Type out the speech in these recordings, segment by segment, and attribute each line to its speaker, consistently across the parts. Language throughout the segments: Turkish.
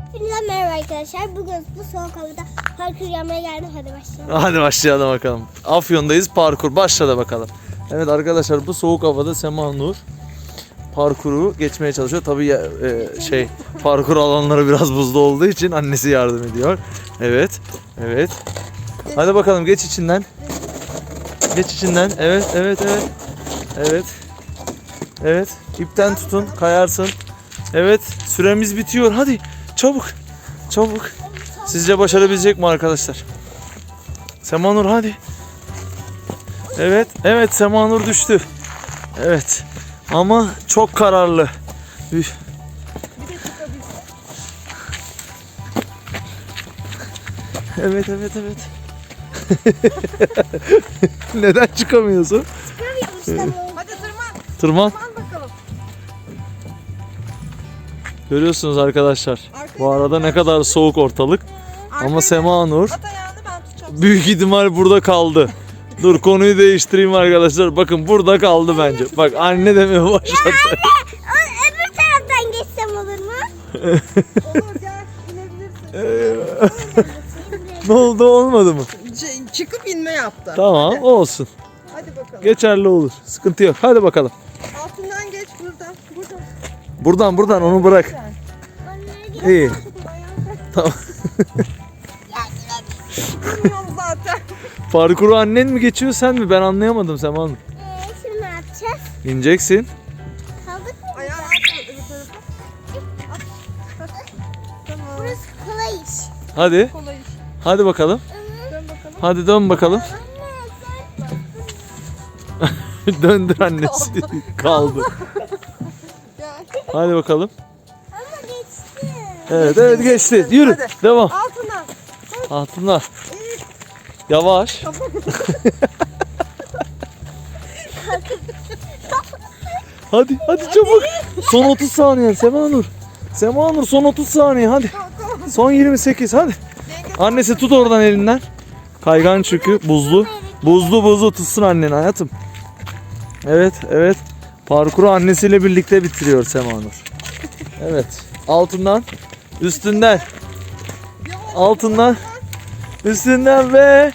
Speaker 1: Hepinize merhaba arkadaşlar. Bugün bu soğuk havada parkur yapmaya geldim. Hadi başlayalım.
Speaker 2: Hadi başlayalım bakalım. Afyon'dayız, parkur başladı bakalım. Evet arkadaşlar, bu soğuk havada Sema Nur parkuru geçmeye çalışıyor. Tabii parkur alanları biraz buzlu olduğu için annesi yardım ediyor. Evet. Evet. Hadi bakalım, geç içinden. Geç içinden. Evet. Evet. Evet. İpten tutun, kayarsın. Evet. Süremiz bitiyor. Hadi. Çabuk. Çabuk. Sizce başarabilecek mi arkadaşlar? Sema Nur hadi. Evet Sema Nur düştü. Evet. Ama çok kararlı. Üf. Evet. Neden çıkamıyorsun?
Speaker 1: Hadi
Speaker 2: Tırman.
Speaker 1: bakalım.
Speaker 2: Görüyorsunuz arkadaşlar. Bu arada ne kadar soğuk ortalık. Ama Sema Nur
Speaker 1: At ayağını, ben tutacağım.
Speaker 2: büyük ihtimal burada kaldı. Dur, konuyu değiştireyim arkadaşlar. Bakın burada kaldı bence. Bak, anne demeye başladı.
Speaker 1: Öbür taraftan geçsem olur mu? Olur, gel inebilirsin.
Speaker 2: Ne oldu, olmadı mı?
Speaker 3: Çıkıp inme yaptı.
Speaker 2: Tamam, olsun.
Speaker 3: Hadi bakalım.
Speaker 2: Geçerli olur. Sıkıntı yok. Hadi bakalım.
Speaker 3: Altından geç buradan.
Speaker 2: Buradan onu bırak. İyi. Tamam.
Speaker 3: Bilmiyorum zaten.
Speaker 2: Parkuru annen mi geçiyor, sen mi? Ben anlayamadım Sema Hanım.
Speaker 1: Şimdi ne yapacağız?
Speaker 2: İneceksin.
Speaker 1: Kaldık mı?
Speaker 3: Ayağını at öbür tarafa. Tamam.
Speaker 1: Burası kolay iş.
Speaker 2: Hadi.
Speaker 3: Kolay iş.
Speaker 2: Hadi bakalım.
Speaker 3: Dön bakalım.
Speaker 2: Hadi dön bakalım. Döndür annesi. Kaldı.
Speaker 3: Gel.
Speaker 2: Hadi bakalım.
Speaker 1: Ama geçti.
Speaker 2: Evet geçti. Yürü.
Speaker 3: Hadi.
Speaker 2: Devam.
Speaker 3: Altına.
Speaker 2: Altına. Yavaş. Hadi çabuk. Son 30 saniye Sema Nur. Sema Nur, son 30 saniye hadi.
Speaker 3: Tamam.
Speaker 2: Son 28 hadi. Annesi tut oradan elinden. Kaygan çünkü buzlu. Buzlu tutsun annen hayatım. Evet. Parkuru annesiyle birlikte bitiriyor Sema Nur. Evet. Altından, üstünden, altından, üstünden ve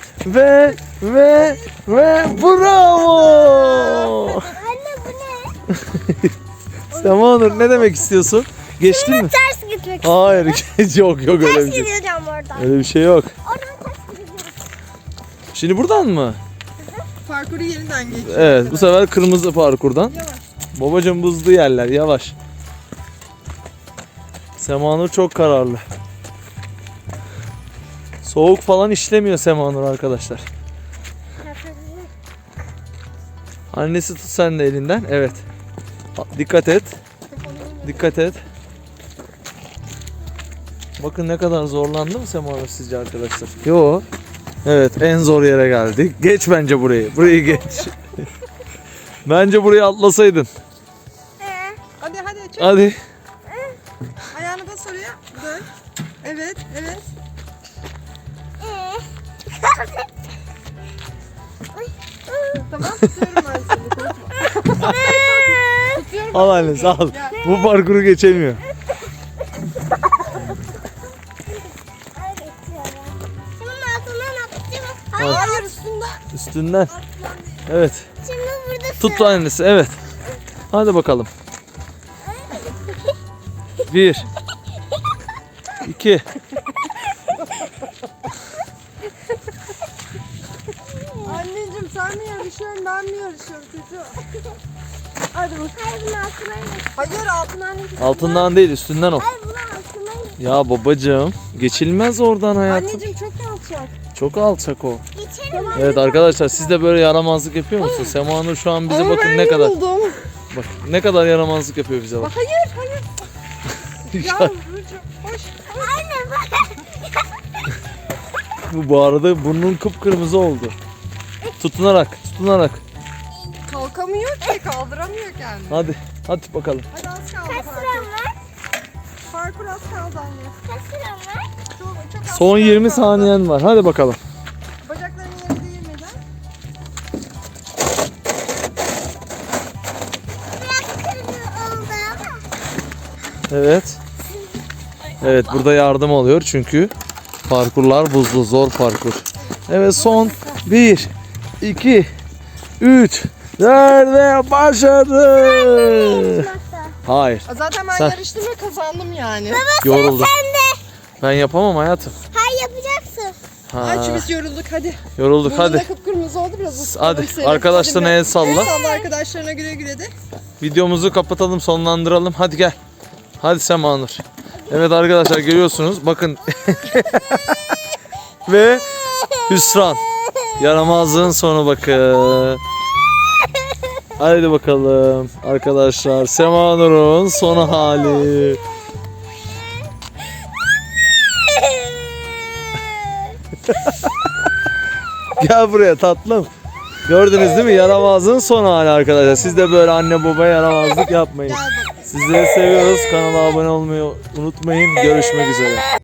Speaker 2: bravo!
Speaker 1: Anne bu ne?
Speaker 2: Sema Nur, ne demek istiyorsun? Geçtin mi?
Speaker 1: Ters gitmek.
Speaker 2: Hayır, yok öyle bir
Speaker 1: Ters
Speaker 2: şey.
Speaker 1: gideceğim oradan.
Speaker 2: Öyle bir şey yok.
Speaker 1: Oradan ters gideceğim.
Speaker 2: Şimdi buradan mı?
Speaker 3: Parkuru yeniden geç.
Speaker 2: Evet, bu sefer kırmızı parkurdan.
Speaker 3: Yavaş.
Speaker 2: Babacığım, buzlu yerler, yavaş. Sema Nur çok kararlı. Soğuk falan işlemiyor Sema Nur arkadaşlar. Annesi tut sen de elinden. Evet. Dikkat et. Dikkat et. Bakın ne kadar zorlandı mı Sema Nur sizce arkadaşlar? Yo. Evet, en zor yere geldik. Geç bence burayı. Burayı geç. Bence burayı atlasaydın.
Speaker 3: Hadi çek.
Speaker 2: Hadi.
Speaker 3: Ayağını bas oraya. Dön. Evet. Tamam, tutuyorum ben seni. Korkma. Tutuyorum.
Speaker 2: Al annesi al. Bu parkuru geçemiyor.
Speaker 1: Bunun altından atlayacağım.
Speaker 3: Hayır, üstünden.
Speaker 2: Üstünden. Evet.
Speaker 1: Şimdi burada
Speaker 2: Tut annesi. Evet. Hadi bakalım. 1 2
Speaker 3: Anneciğim, sen mi yarışıyorsun, ben mi yarışıyorum çocuğum? Hadi bakalım.
Speaker 1: Hayır bunun altından geç.
Speaker 3: Hayır, altından geç.
Speaker 2: Altından değil, üstünden o.
Speaker 1: Hayır bunun altından geç.
Speaker 2: Ya babacığım, geçilmez oradan hayatım.
Speaker 3: Anneciğim, çok alçak.
Speaker 2: Çok alçak o.
Speaker 1: Geçerim.
Speaker 2: Evet arkadaşlar, siz de böyle yaramazlık yapıyor musunuz? Sema Nur şu an bize bakın ne kadar.
Speaker 3: Yoruldum.
Speaker 2: Bak ne kadar yaramazlık yapıyor bize bak.
Speaker 3: Hayır. Yavrucuğum, hoş.
Speaker 1: Anne bak.
Speaker 2: Bu arada burnun kıpkırmızı oldu. Tutunarak.
Speaker 3: Kalkamıyor ki, kaldıramıyor kendini.
Speaker 2: Hadi bakalım.
Speaker 3: Hadi az kaldı
Speaker 1: Kaç
Speaker 3: parkur.
Speaker 1: sıram var?
Speaker 3: Parkur az kaldı anne.
Speaker 1: Kaç sıram var?
Speaker 3: Çok az
Speaker 2: Son
Speaker 3: süren
Speaker 2: 20
Speaker 3: kaldı.
Speaker 2: saniyen var. Hadi bakalım.
Speaker 3: Bacaklarını yere değirmeden.
Speaker 1: Biraz kırmızı oldu ama.
Speaker 2: Evet. Evet, burada yardım alıyor çünkü parkurlar buzlu, zor parkur. Evet, son 1 2 3 4 başladı. Hayır,
Speaker 3: Zaten ben
Speaker 2: Sen-
Speaker 3: yarıştım ve kazandım yani.
Speaker 2: yoruldum. Ben yapamam hayatım.
Speaker 1: Hayır yapacaksın.
Speaker 2: Ha,
Speaker 3: Ay biz yorulduk hadi.
Speaker 2: yorulduk
Speaker 3: Burnun da
Speaker 2: hadi.
Speaker 3: kıpkırmızı oldu biraz ısıtalım
Speaker 2: Hadi
Speaker 3: seni.
Speaker 2: arkadaşlarına
Speaker 3: Hadi
Speaker 2: el salla.
Speaker 3: El salla arkadaşlarına güle güle de.
Speaker 2: Videomuzu kapatalım, sonlandıralım. Hadi gel. Hadi Semanur. Evet arkadaşlar, görüyorsunuz. Bakın. Ve hüsran. Yaramazlığın sonu bakın. Haydi bakalım arkadaşlar. Semanur'un son hali. Gel buraya tatlım. Gördünüz değil mi? Yaramazlığın son hali arkadaşlar. Siz de böyle anne babaya yaramazlık yapmayın.
Speaker 3: Gel bakalım.
Speaker 2: Sizleri seviyoruz. Kanala abone olmayı unutmayın. Görüşmek üzere.